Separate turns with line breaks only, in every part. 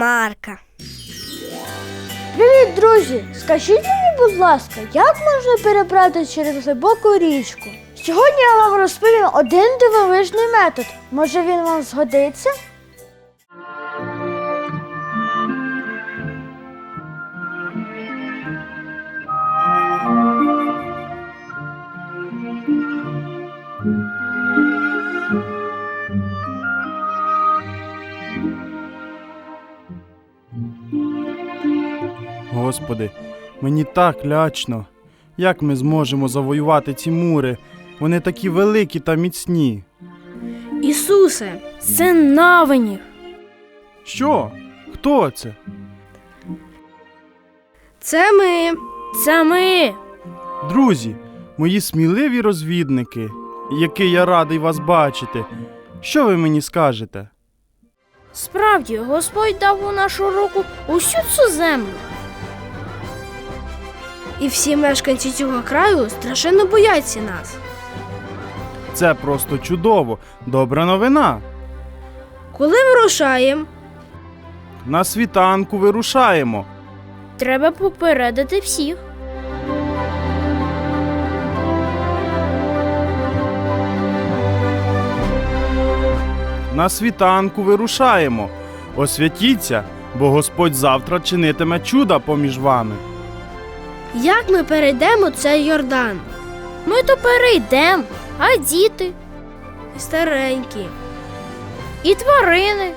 Марка.
Привіт, друзі! Скажіть мені, будь ласка, як можна перебратися через глибоку річку? Сьогодні я вам розповім один дивовижний метод. Може, він вам згодиться?
Господи, мені так лячно. Як ми зможемо завоювати ці мури? Вони такі великі та міцні.
Ісусе, це навинів.
Що? Хто це?
Це ми.
Друзі, мої сміливі розвідники, який я радий вас бачити. Що ви мені скажете?
Справді, Господь дав у нашу руку усю цю землю. І всі мешканці цього краю страшенно бояться нас.
Це просто чудово. Добра новина.
Коли вирушаємо,
На світанку вирушаємо.
треба попередити всіх.
На світанку вирушаємо. Освятіться, бо Господь завтра чинитиме чуда поміж вами.
Як ми перейдемо цей Йордан? Ми то перейдемо, а діти? І старенькі. І тварини.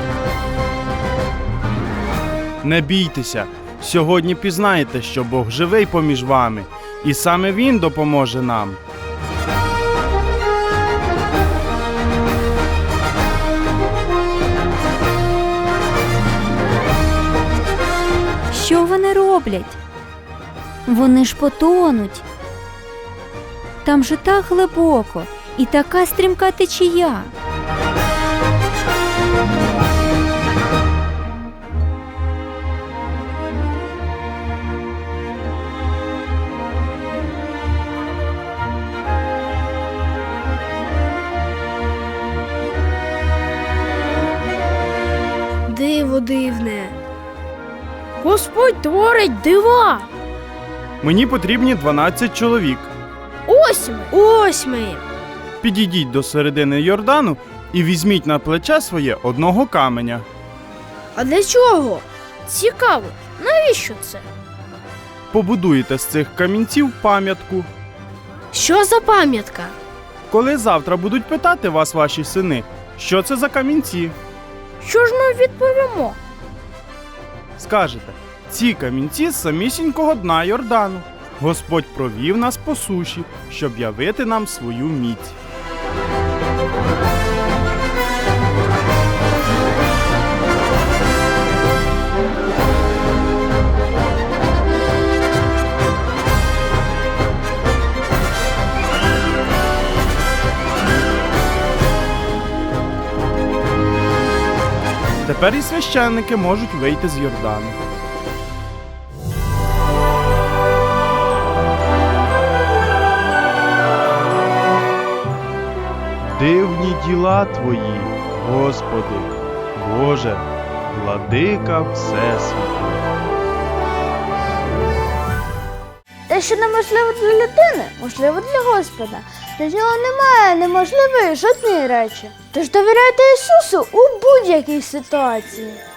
Не бійтеся, сьогодні пізнаєте, що Бог живий поміж вами, і саме Він допоможе нам.
Що вони роблять? Вони ж потонуть. Там же так глибоко і така стрімка течія.
Диво дивне. Господь творить дива.
Мені потрібні 12 чоловік.
Ось ми.
Підійдіть до середини Йордану і візьміть на плече своє одного каменя.
А для чого? Цікаво, навіщо це?
Побудуєте з цих камінців пам'ятку.
Що за пам'ятка?
Коли завтра будуть питати вас ваші сини, що це за камінці,
Що ж ми відповімо?
скажете, ці камінці з самісінького дна Йордану. Господь провів нас по суші, щоб явити нам свою міць. Тепер і священники можуть вийти з Йордану. Дивні діла Твої, Господи, Боже, владика Всесвіту.
Те, що неможливо для людини, можливо для Господа. Для нього немає неможливої жодної речі. Тож довіряйте Ісусу у будь-якій ситуації.